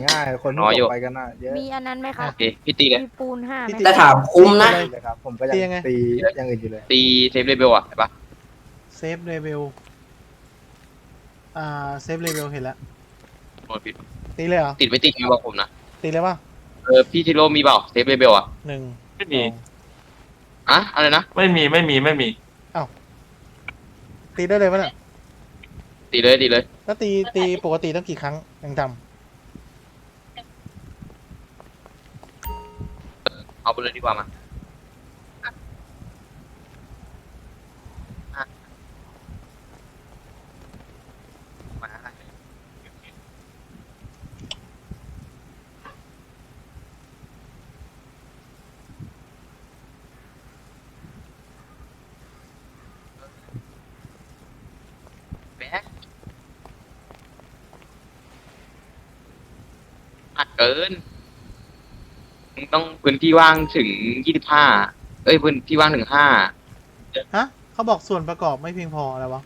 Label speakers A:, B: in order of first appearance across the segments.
A: ง่ายคนที่ตกไปกันน่ะเยอะ
B: มีอันนั้นไหมครับ
C: โอเคพี่ตีเลย
B: มีปูน5ไหม
D: แต่ถามคุ้มนะ
A: เลยครับผมก็ยังตีอย่างอื่นอยู่เลย
C: ตีเซฟเลเบลอะเห็นปะ
E: เซฟเลเวลเซฟเลเวลเห็นแล้ว
C: โอ้ยผิด
E: ตีเลยเหรอ
C: ติดไม่ติดมีบอกผมนะ
E: ตีเลยป่ะ
C: พี่ทิโร่มีเปล่าเซฟเลเบลอะ
E: 1
F: ไม่มี
C: อะอะไรนะ
F: ไม่มี
E: ตีได้เลยป่ะเนี่ย
C: ตีเลยตีเลย
E: แล้วตีปกติต้องกี่ครั้งยังจ
C: เอาไปเลยดีกว่ามามาแบ๊กอัดเกินมึงต้องพื้นที่ว่างถึง25พื้นที่ว่างถึง5
E: ำฮะเขาบอกส่วนประกอบไม่เพียงพออะไรวะ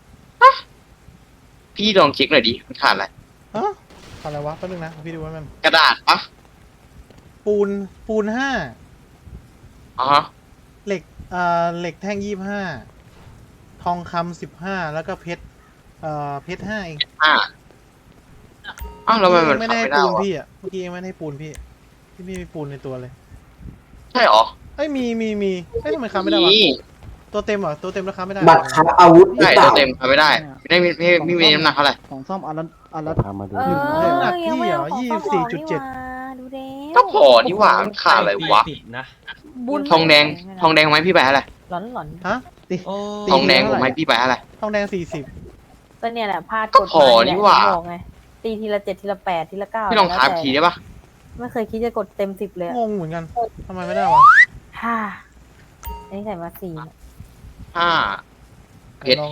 C: พี่ลองเช็คหน่อยดิมันขาดอะไร
E: ฮะอะไรวะแป๊บนึงนะพี่ดูว่ามัน
C: กระดาษปะ
E: ปูน5
C: อ๋อฮะ
E: เหล็กแท่ง25ทองคำ15แล้วก็เพชร5เอง
C: อ้าวแล้วทำไมมัน
E: ไม่
C: ทำ
E: ได้
C: ไม่
E: ให้
C: ได้
E: ปูน
C: วะ
E: พี่อ่ะเมื่อกี้ยังไม่ได้ให้ปูนพี่ไม่มีปูนในตัวเลย
C: ใช่หรอ
E: เอ้ยมีเอ้ยทำไมค้าไม่ได้วะ
C: นี่
E: ตัวเต็มเหรอตัวเต็มราคาไม่ได้
D: บัตรค้าอาวุธหรือ
C: ใช่
D: เป
C: ตั
D: ล่า
C: วเต็มทำไม่ได้ไม่มีน้ำหนักเท่าไหร่
G: ของซ่อมอันละ
H: พามาดู
E: น้ำหนักพี่เหรอ24.7
B: ดูเด้
C: ก็พอนี่หว่ามันขาดอะไรวะ
B: บุญ
C: ทองแดงไหมพี่ไปอะไร
B: หลอนหลอน
E: ฮะ
C: ทองแดงผมให้พี่ไปอะไร
E: ทองแดง40
B: ก็เนี่ยแหละพลาด
C: ก็พอนี่หว่า
B: บอกไงตีทีละ7ทีละ8ทีละ9
C: พี่ลองท้าทีได้ปะ
B: ไม่เคยคิดจะกดเต็ม10เลย
E: งงเหมือนกันทำไมไม่ได้วะ
B: ฮ่าอันนี้ใส่มา4
C: 5เพชร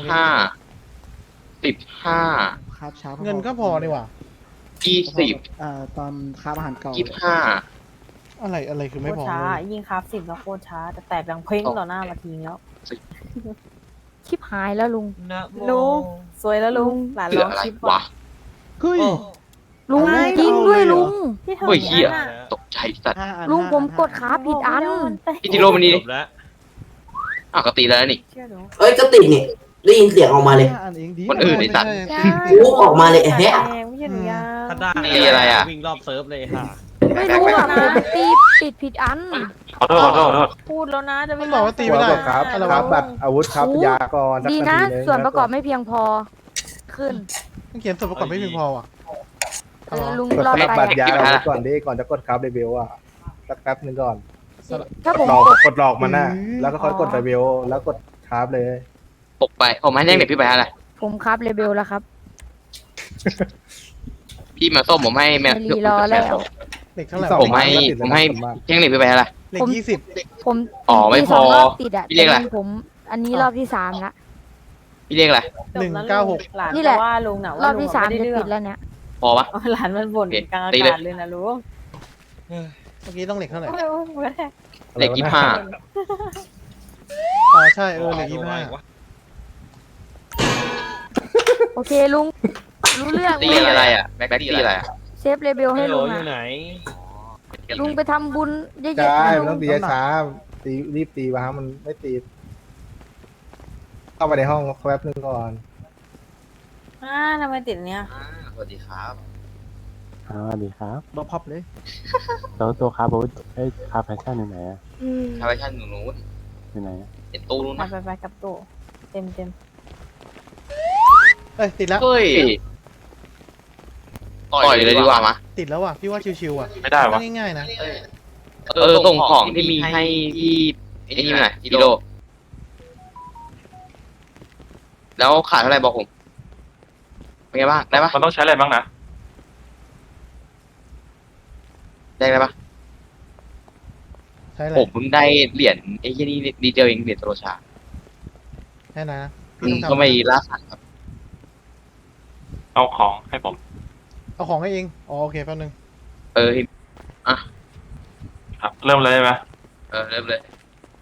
C: 15
G: คาบช้า
E: เงินก็พอดีว่ะ
C: 20
G: ตอนคาบอาหารเก่า
C: 25
E: อะไรคือ
B: โค
E: ไม่
B: ต
E: พ
B: ร
E: อ
B: ช้ายิ่งคราฟ10แล้วโคตรช้าแต่แตกดังเพ้งต่อหน้ามาทีแล้วชิบหายแล้วลุงสวยแล้วลุงหลาน
C: เหลื
B: ล
C: อ
B: อง
C: อะไร
B: ชิป
C: วะ
G: เฮ้ย
B: ลุง
E: อะไร
B: จริงด้วยลุง
C: เฮ้ยเหี้ยตกใจสัตว์
B: ลุงผมกดขาผิดอัน
C: พี่ทิโร่มันนี่อ้าวก็ตีแล้วนี่
B: เชื่อหนู
D: เอ้ยก็ติดนี่ได้ยินเสียงออกมาเลย
G: อันเองดี
C: คนอื่นไอ้สัตว์
D: ลูกออกมาเลยไอ้แฮะ
B: ไม่ใช่หนูยา
F: ถ้าได้
C: ตีอะไรอะ
F: วิ่งรอบเซิร์ฟเลยค่ะ
B: ไม่รู้อ่ะผมตีติดผิดอัน
F: ขอโทษ
B: พูดแล้วนะจะ
E: มั
B: ไม่
E: นบอกว่าตีไม่ได้
A: ครับ
E: อะไร
A: ครั
E: วะ
A: บบัตรอาวุธครับยาก่อน
B: ดีนะส่วนประกอบไม่เพียงพอขึ้น
E: มันเขียนส่วนประกอบไม่เพียงพอว่ะ
B: ลุง
A: กด
B: รอ
A: สลับ
B: ไป
A: บัตรยาอาวุธก่อนดิก่อนจะกดครับเดบิวอ่ะสักแป๊บนึงก่อน
B: ถ้าผม
A: กดหลอกมันน่ะแล้วก็ค่อยกดเดบิวแล้วกดครับเลย
C: ตกไปผมให้แจ้งเด็กพี่ไปอะไร
B: ผมครับเลเบลแล้วครับ
C: พี่มาส้มผมให้แม่
B: ไม่รีรอแล้ว
E: เหล็กเท่าไหร่
C: ผมให้แจ้งเด็กพี่ไปอะไร
E: เหล็ก20
B: ผม
C: อ๋อไม่พอ
B: ตี2รอบติดอ่ะ
C: พี่เรียกอะไร
B: ผมอันนี้รอบที่3ละ
C: พี่เรียกอะไร
E: 196
B: นี่แหละว่าลุงน่ะรอบที่3จะติดแล้วเนี่ย
C: พอปะ
B: หลานมันบ่นกลางอา
C: ตีเลย
B: กาศเลยนะลุง
E: เมื่อกี้ต้องเหล็กเท่าไหร่
C: เด็ก25
E: อ๋อใช่เหล็ก25
B: โอเคลุงรู้เรื่อง
C: ตีอะไรอ่ะแบ็คตีอะไรอ่ะ
B: เซฟเลเบลให้ลุงอ่ะลุงไปทำบุญเยอะ
A: ใช่
B: ๆนะ
A: มัน
B: ลุ
A: ต้อง งตีช้าตีรีบตีวะมันไม่ตีเข้าไปในห้องแป๊บนึงก่อน
B: ทำไมติดเนี้ย
C: สวัสดีครับ
H: สวัสดีครับ
G: บอพับเลย
H: แล้วตัวคาร์บอนคาร์แฟชั่นอยู่ไหนอะ
C: ทาวเวชั่นหนูนู้น
H: อยู่ไหนอะ
C: เห็นตู้นู้น
B: ไปกับโตเต็ม
E: เอ้ยติดแล้ว
C: เฮ้ยต่อยเลยดีกว่ามา
E: ติดแล้วว่ะพี่ว่าชิวๆอ่ะ
F: ไม่ได้วะ
E: ง่ายๆนะ
C: ส่งของที่มีให้ที่ไอ้นี่หน่อยกิโลแล้วขาดเท่าไหร่บอกผมเป็นไงบ้างได้ปะ
F: มันต้องใช้อะไรบ้างนะ
C: ได้ปะ
E: ใช่เล
C: ผ
E: ย
C: มเพิ่งได้เหรียญไอ้ที่นี่ดีเจลเองเหรียญโตโรชา
E: แค่นั้นนะพี่ต้อง
C: ก็
E: ทำ
C: ไม่ล่าสัตว์ครับ
F: เอาของให้ผม
E: เอาของให้เองอ๋อโอเคแป๊บนึง
F: ครับ เริ่มเลยไหม
C: เริ่มเลย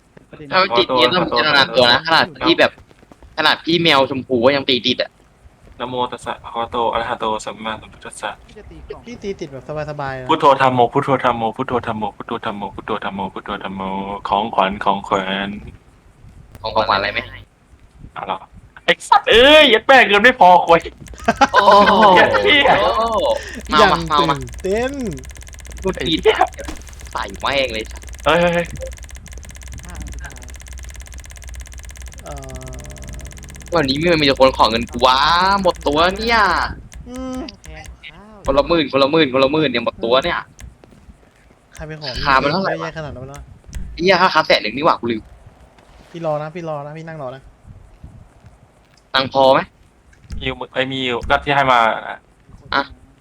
C: ถ้าไม่ติดเนี่ยต้องพิจารณาตัวนะขนาดพี่แมวชมพูก็ยังตีติดอ่ะ
F: นะโมตัสสะภะคะวะโตอะระหะโตสัมมาสัมพุทธัสสะ
G: พี่จะตีกล่อง
E: พี่ตีติดแบบสบายๆนะ
F: พุทโธธัมโมพุทโธธัมโมพุทโธธัมโมพุทโธธัมโมพุทโธธัมโมพุทโธธัมโมของขวัญของแขวน
C: ของขวัญอะไรไหม
F: เอาล่ะไอ้สัตว์เอ้ยยัดแป้งเงินไม่พอคุย
C: โอ้โห
E: อ
C: เมา
E: ย่าง
C: มาเมามา
E: ตื่นเต้น
C: พูดผิดใส่แม่งเลย
F: เฮ้ย
G: ห้าอันสุดท้าย
E: เอ่อ
C: วันนี้มีแต่คนขอเงินกูว้าหมดตัวเนี่ย
E: อืม
G: แพงข้าว
C: คนละหมื่นคนละหมื่นคนละหมื่นเนี่ยหมดตัวเนี่ย
E: ใครไปขอ
C: ขามันเท่าไหร่วะ
E: แย่ขนาดนั้นวะ
C: ไอ้เหี้ยค่า100,000นี่หว่ากูลืม
E: พี่รอนะพี่นั่งรอนะ
C: ตังค์พอไหม
F: ยิวไอ้มีอยู่ก็ที่ให้มา
C: อ่ะ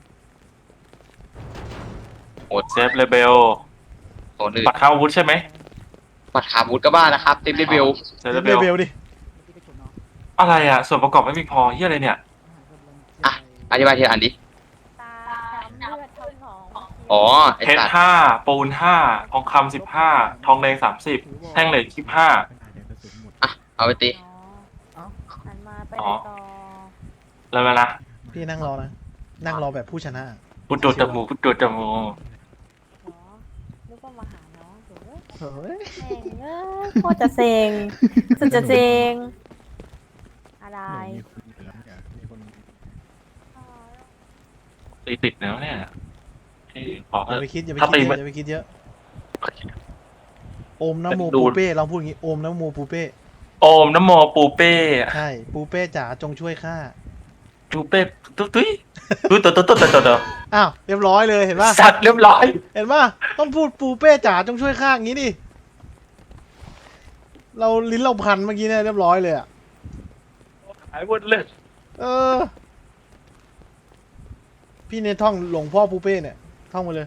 F: โอดเซฟเลเบล
C: โอนอื่น
F: ปัดเข้าอาวุธใช่ไหม
C: บัตรขาบูธก็บ้านะครับเต็มเบล
F: เซฟ
E: เล
F: เลเบล
E: เบลดิ
G: ที่ไปฉุดเนาะ
F: อะไรอ่ะส่วนประกอบไม่มีพอเฮียอะไรเนี่ย
C: อธิบายทีละอันดิ
B: ตาช้ำเลือดทั้งหนอง
C: อ๋อไอ้
F: เพชร
C: สัตว์
F: 5ปูน5ทองคำ15ทองแดง30แท่งเหล็ก25
C: อ่ะเอาไปตี
B: อ๋อหันมาไป
F: อ๋อ
B: ต่อ
F: แล้วมานะ
E: พี่นั่งรอนะนั่งรอแบบผู้ชนะ
F: พุทโธตะมูพุทโธตะมู
B: อ๋อนึกว่ามาหาน้องเดี๋ยว
E: เฮ้ย
B: แม่งเอ้ยโคตรจะเซ็งสุดจะเซ็งอะไร
F: ตีติดแล้วเนี่ยเอ้ยขอ
E: อย่าไปคิดอย่าไป
F: ถ้า
E: คิด
F: ตี
E: เย
F: มั
E: อะ
F: น
E: อย่าไปคิดเยอะโอมนะโม
F: ดู
E: ปูเป้เราพูดอย่างงี้โอมนะโมปูเป้
F: โอมนะโมปูเป้
E: ใช่ปูเป้จ๋าจงช่วยข้า
F: ปูเป้ตุ้ยตุ้ยตุ้ยตุ้ยตุ้ยตุ้ยตุ้ยตุ้ย
E: อ้าวเรียบร้อยเลยเห็นป่ะ
F: สัตว์เรียบร้อย
E: เห็นป่ะต้องพูดปูเป้จ๋าจงช่วยข้าอย่างงี้ดิเราลิ้นเราพันเมื่อกี้เนี่ยเรียบร้อยเลยอ่ะ
F: หายหมดเลย
E: เออ พี่เนี่ยท่องหลวงพ่อปูเป้เนี่ยท่องมาเลย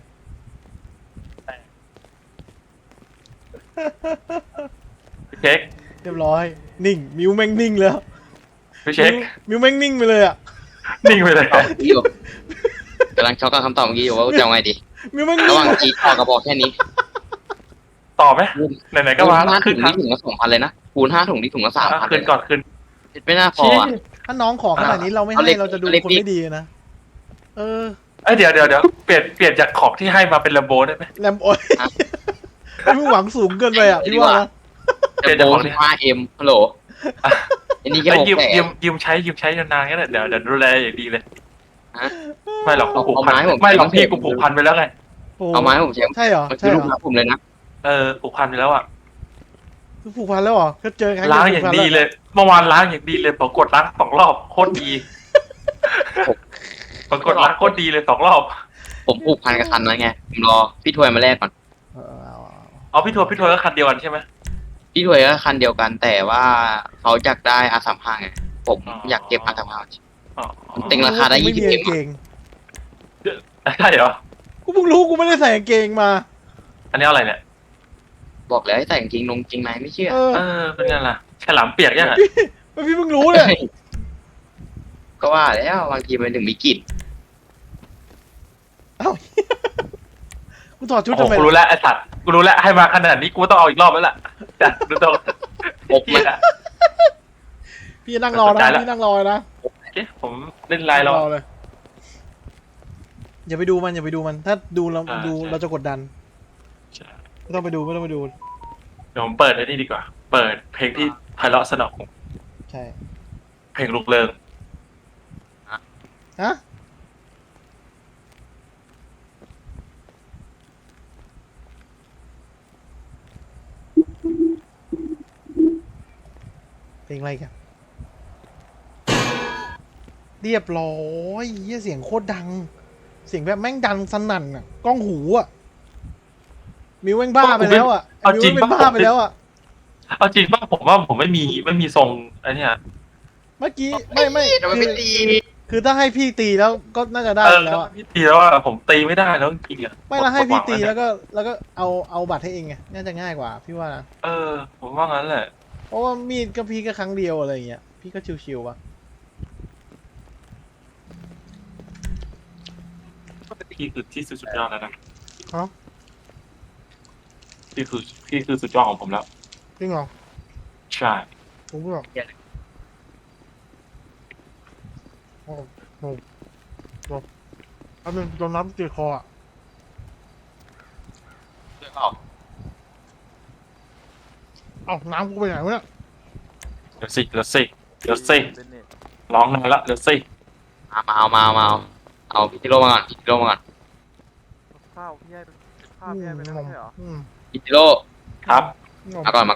F: เช็ค
E: เรียบร้อย นิ่ง มิวแม่งนิ่งแล้ว
F: พี่เช็ค
E: มิวแม่งนิ่งไปเลยอ่ะ
F: นิ่งไปเลย
C: พี่อยู่กำลังช็อกกับคำตอบเมื่อกี้อยู่ว่าจะเอาไงดี
E: มิวแม่ง
C: ระ
E: นิ่
C: ห
E: ง
C: ว่างจีทอกระบอกแค่นี้
F: ต่อไหมไหนๆก็
C: คูณ
F: มา
C: ห้า
F: ขึ้
C: ถุ
F: น
C: ง
F: ครั้
C: นี่
F: ง
C: ถุงละ2,000เลยนะคูณ5 ถุงนี่ถุงละ3,000
F: ขึ้นก่อนขึ้น
C: ไม่น่าพออ่ะ
E: ถ้าน้องขอขนาดนี้เราไม่
C: เอา
E: ให้
C: เล็ก
E: เราจะดู
C: เอาเล็ก
E: คน
C: นิด
E: ไม่ดีนะ เออ
F: เอ้ยเดี๋ยวเปลี่ยนจากของที่ให้มาเป็นลมโบได้ไหม
E: แลมโอ้ยพี่หวังสูงเกินไปอ่ะพี่ว่านะ
F: เปลี่ยน
C: โบ
F: จากของที่
C: 15M ฮัลโหลอันนี้แค่
F: ไอ้
C: 6
F: ยืมใช้นานๆก็ได้เดี๋ยวดูแลอย่างดีเลย
C: ฮะ
F: ไม่หรอกกูผูก
C: เอา
F: พัน
C: ไม้ผม
F: ไม่หรอก
C: ใช้
F: พี่กูผูกพันไปแล้วไง
E: โอ้
C: เอามาให้ผมใช้
E: ใช่เหรอ
C: มันคื
E: ใช่
C: อ
E: เหร
C: ลู
E: อก
C: ค้าผมเลยนะ
F: ผูกพันไปแล้วอ่ะ
E: คือผูกพันแล้วเหรอก็เจอครั้ง
F: ล้าง
E: เดีว
F: อย่าง
E: ผูกพัน
F: ดี
E: แว
F: เลยเมื่อวานล้างอย่างดีเลยปรากฏล้าง2 รอบโคตรดีปรากฏล้างโคตรดีเลย2 รอบ
C: ผมผูกพันกับคันแล้วไงผมรอพี่ถวยมาแลกก่อน
E: เอา
F: เอาพี่ทัวร์ก็คันเดียวกันใช่ไหม
C: พี่ถวยก็คันเดียวกันแต่ว่าเขาอยากได้R35ไงผมอยากเก็บR35
F: อ๋อ
C: เต็งราคาได้
E: ไม่มี
C: 20
E: กางเกง
F: ใช่เหรอ
E: กูเพิ่งรู้กูไม่ได้ใส่กางเกงมา
F: อันนี้อะไรเนี่ย
C: บอกแล้วให้ใส่กางเกงนงจริงในไม่เชื่อ
E: เออ
F: เป็นไงล่ะฉลามเปียกยังอ่ะ
E: พี่เพิ่งรู้เลย
C: ก็ว่าแล้วบางทีมันถึงมีกลิ่น
E: เอ้ากูถอดชุด
F: โอ้
E: ทำ
F: โห
E: ไม
F: กูรู้แล้วไอสัตว์กูรู้แล้วให้มาขนาดนี้กูต้องเอาอีกรอบแล้วล่ะจัดดูตรง
C: อกมัน
E: พี่นั่งรอนะพี่นั่งรอนะ
F: ผมเล่นไลน์เรา
E: รอเลยอย่าไปดูมันอย่าไปดูมัน ถ้าดูเรา
F: อ่า
E: ดู
F: ใช่
E: เราจะกดดันไม่ต้องไปดู
F: เดี๋ยวผมเปิดไอ้นี่ดีกว่า เปิดเพลงที่ไพเราะสนอง
E: ใช่
F: เพลงลูกเริง
E: ฮะเพลงอะไรกันเรียบร้อยเหี้ยเสียงโคตรดัง เสียงแบบแม่งดังสนั่นอ่ะกล้องหูอ่ะมิวแม่งบ้าไปแล้วอ่ะ
F: เอา
E: มิว
F: จริง
E: เป็น
F: ป่ะ
E: บ้าไปแล้วอ่ะ
F: เอาจริงป่ะผมว่าผมไม่มีทรงไอ้เนี่ย
E: เมื่อกี้ไม่
C: ทำไม
E: คื
C: ไม่
E: อ
C: ตี
E: คือถ้าให้พี่ตีแล้วก็น่าจะได้แล้วอะ
F: พี่ตีแล้วอ่ะผมตีไม่ได้แล้วจริงๆอ่ะ
E: ไม่แล้วให้พี่ตี
F: หมดห
E: แล้ว
F: ง
E: ก็เอาบัตรให้เองไงน่าจะง่ายกว่าพี่ว่านะ
F: ผมว่างั้นแหละ
E: เพราะว่ามีดก็พี่ก็ครั้งเดียวอะไรอย่างเงี้ยพี่ก็ชิวๆว่ะ
F: พี่คือที่สุดยอดแล้วนะ
E: ฮะ
F: พี่คือสุดยอดของผมแล้ว
E: จริงเหรอ
F: ใช่
E: ผมก็บอกอันนึงโดนน้ำตีคออ่ะ
C: เลือกออก
E: เอ้าน้ำกูไปไหนวะเนี่ย
F: เดี๋ยวสิร้องนานละเดี๋ยวสิ
C: มาเอาพี่จิโร่มาก่อนพี่จิโร่มาก่อน
G: ข้าวพี่ให้ข้าวพี่ให้ไปแล้วไม่ใช่เหรอ
C: พี่จิโร่
F: ครับ
C: มาก่อน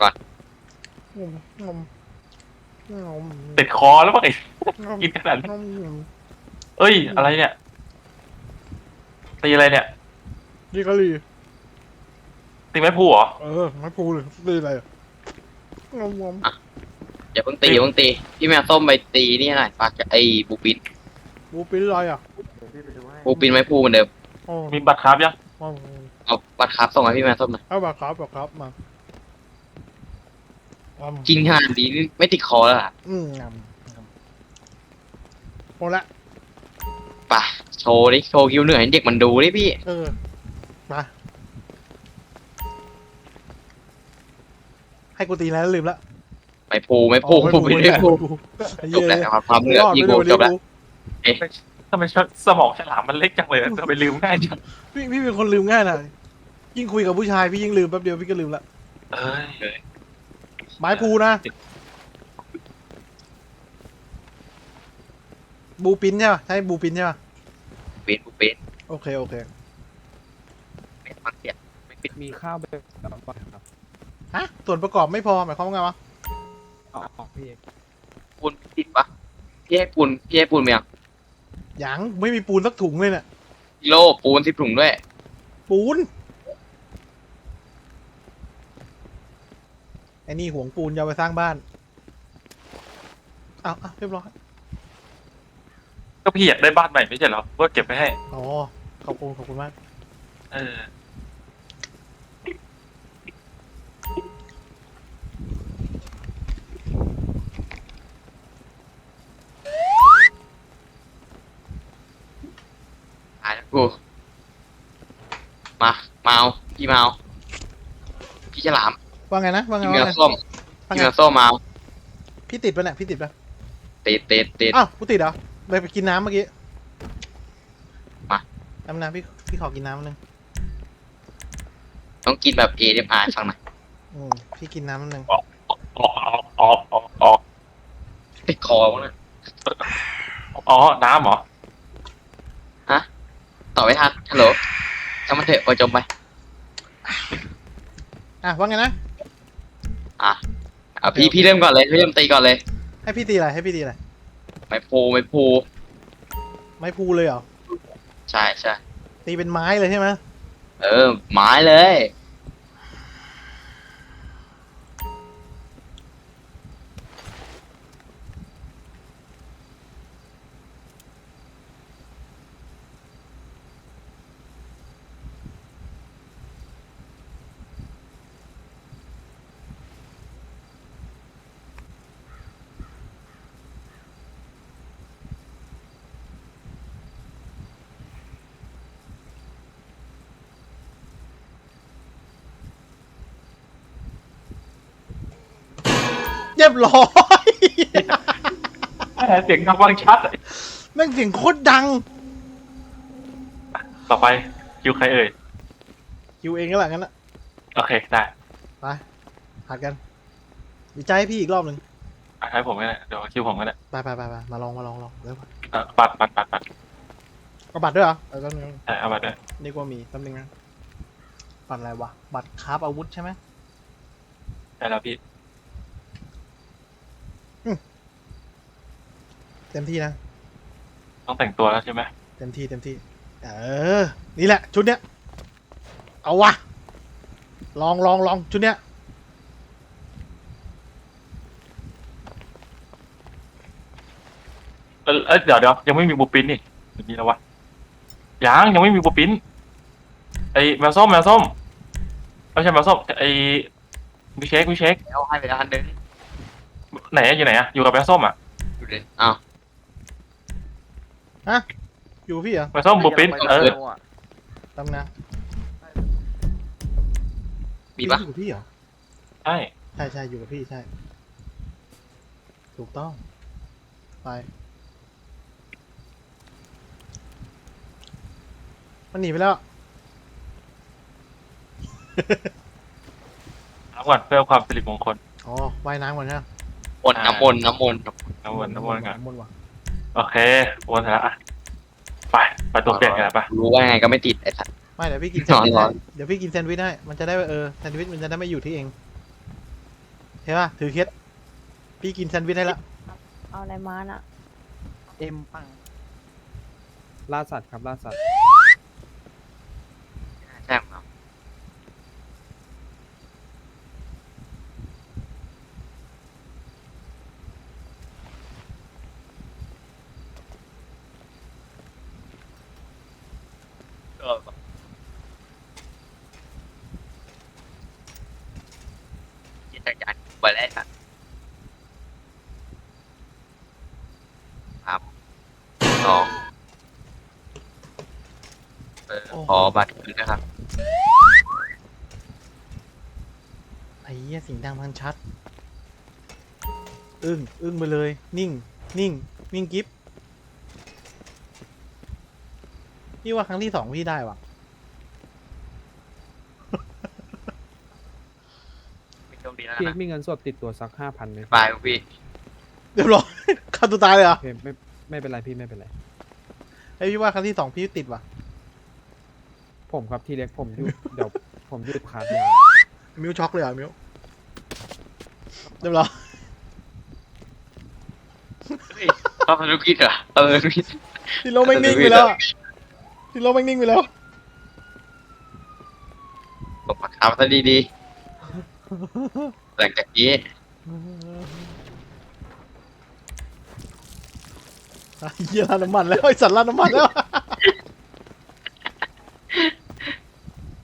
F: ติดคอแล้วป่ะไอ้กินขนาดนี้เอ้ยอะไรเนี่ยตีอะไรเนี่ย
E: ดีกะลี
F: ตีไม้พูเหรอ
E: ไม่พูเลยดีอะไรอ่ะ
C: อย่าเพิ่งตีพี่แมวส้มไปตีนี่หน่อยปากไอ้บูปิน
E: บูปิ้นอะไรอ่ะ
G: เดี๋ยวพี่ไปดูให้
C: บูปินไม่พูเหมือนเดิม
F: มีบัตรครับยัง
C: เอาบัตรครับส่งให้พี่แมวส้มหน่อย
E: เอาแบบครับมา
C: กินขนาดนี้นี่ไม่ติดคอแล้วล่ะ
E: งามหมดละ
C: ป่ะโชว์คิวเหนื่อยให้เด็กมันดูดิพี่
E: มาให้กูตีแล้วลืมละ
C: ไม่พูบูปินไม่พูจบแล้วความเหนื่อยพี่กูจบแล้ว
F: ทำไมสมองฉลามมันเล็กจังเลยทำไมลืมง่ายจัง
E: พี่เป็นคนลืมง่ายนะยิ่งคุยกับผู้ชายพี่ยิ่งลืมแป๊บเดียวพี่ก็ลืมละ
F: เอ้ย
E: ไม้พูนะบูปิ้นใช่ป่ะใช่บูปิ้นใช่ป่ะ
C: บูปิน
E: โอเค
C: ไม่ฟังเสียงไม่ปิด
G: มีข้าวไปแล้วก่อนครับ
E: ฮะส่วนประกอบไม่พอหมายความว่าไงวะ
G: อ๋อพี่
C: ปูนติดปะพี่ให้ปูนไหมอ่ะ
E: ยังไม่มีปูนสักถุงเลยเนี่ย
C: กิโลปูน10 ถุงด้วย
E: ปูนไอ้นี่ห่วงปูนจะเอาไปสร้างบ้านเอาเรียบร้อย
F: ก็พี่อยากได้บ้านใหม่ไม่ใช่เหรอก็เก็บไปให้
E: อ๋อขอบคุณมาก
F: เออ
C: ตายแล้วกูมาเอาพี่มาเอาพี่ฉลาม
E: ว่าไงนะว่าไง
C: พี่แมว
E: ว่าไง
C: ส้ม
E: ว่า
C: พี่
E: ไง
C: แมวส้มมาเอา
E: พี่ติดปะเนี่ยพี่ติดปะ
C: ติด
E: อ้าวกูติดเหรอไปกินน้ำเมื่อกี้
C: มา
E: น้ำพี่ขอกินน้ำนึง
C: ต้องกินแบบ ASMR ฟังหน่อย
E: พี่กินน้ำนึง
F: อ๋อ
C: ติดคอวะเนี่ย
F: อ๋อน้ำเหรอ
C: ต่อไม่ทันฮัลโหลจำมันเถอะปล่อยจมไป
E: ว่าไงนะ
C: เอาพี่เริ่มก่อนเลยพี่เริ่มตีก่อนเลย
E: ให้พี่ตีอะไร
C: ไม่พู
E: ไม้พูเลยเหรอ
C: ใช่
E: ตีเป็นไม้เลยใช่ไหม
C: ไม้เลย
E: เรียบร้อย
F: เสียงดังฟังชัด
E: แม่งเสียงโคตรดัง
F: ต่อไปคิวใครเอ่ย
E: คิวเองก็แหละงั้นนะ
F: โอเคได้
E: ไปหัดกันดีใจให้พี่อีกรอบหนึ่ง
F: ให้ผมก็ได้เดี๋ยวคิวผมก็ได้
E: ไปมาลองเร็ว
F: บัตร
E: เอาบัตรด้วยเหรอแป๊บนึง
F: เอาบัตรด้วย
E: นี่ว่ามีแป๊บนึงนะบัตรอะไรวะบัตรคราฟอาวุธใช่ไหม
F: ได้แล้วพี่
E: เต็มที่นะ
F: ต้องแต่งตัวแล้วใช่ไหม
E: เต็มที่นี่แหละชุดเนี้ยเอาวะลองชุดเนี้ย
F: เดี๋ยวยังไม่มีบูปินนี่มีแล้ววะยังไม่มีบูปินไอแมวส้มไม่ใช่แมวส้มไอวิเชค
C: แล้วให้ไปแล้วอันนึง
F: ไหนอยู่ไหนอะอยู่กับแมวส้มอะ
C: ดูดิอ้าว
E: อยู่กับพี่เหรอ
F: แมวส้มบูปิน
E: ตำนะ
C: มีปะ
E: อยู่กับพี่เหรอ
F: ใช่
E: ใช่อยู่กับพี่ใช่ถูกต้องไปมันหนีไปแล้ว
F: น้ำก่อนเพื่อความสิริมงคล
E: อ๋อว่ายน้ำก่อนนะ
C: น้ำมนต์กัน
F: น้ำวนกัน
E: น้ำมนต์ว่ะ
F: โอเควนเสร็จแล้วอะไปตัวเปลี่ยนกันไป
C: รู้ว่าไงก็ไม่ติดไอ้สัตว์
E: ไม่เดี๋ยวพี่กินแซนด์วิช
C: ร้
E: ให้
C: อน
E: เดี๋ยวพี่กินแซนด์วิชให้มันจะได้แซนด์วิชมันจะได้ไม่อยู่ที่เองเห็นป่ะถือเคสพี่กินแซนด์วิชให้ละ
B: เอาอะไรมาน่ะ
G: เอ็มปัง
A: ล่าสัตว์ครับล่าสัตว์
C: ใช่ครับจิตจักรไปแล้วครับครับสองขอบัตรคืนนะครับ
E: ไอ้เหี้ยเสียงดังพันชัดอึ้งไปเลยนิ่งกิ๊บพี่ว่าครั้งที่ 2พี่ได้ว่ะ
C: ไม่โชคดีแล้ว
A: พี่
C: นะ
A: มีเงินสดติดตัวสัก5,000ไหม
C: บายพี่
E: เรียบร้อย ฆ่าตัวตายเลยเหรอ
A: โอเคไม่เป็นไรพี่ไม่เป็นไร
E: ไอ้พี่ว่าครั้งที่ 2พี่ติดว่ะ
A: ผมครับทีเล็กผมหยุดเดี๋ยวผมหยุดขาดยา
E: มิวช็อกเลยเหรอมิวเรียบร้อย
C: เอาธุรกิจเหรอธุรกิจ
E: ที่โลกแม่งนิ่งไปแล้วอะที่โลกแม่งนิ่งไปแล้ว
C: ผมปักคำซะดีๆหลังจากนี้
E: ไอ้เหี้ยร้านน้ำมันแล้วไอ้สัตว์ร้านน้ำมันแล้ว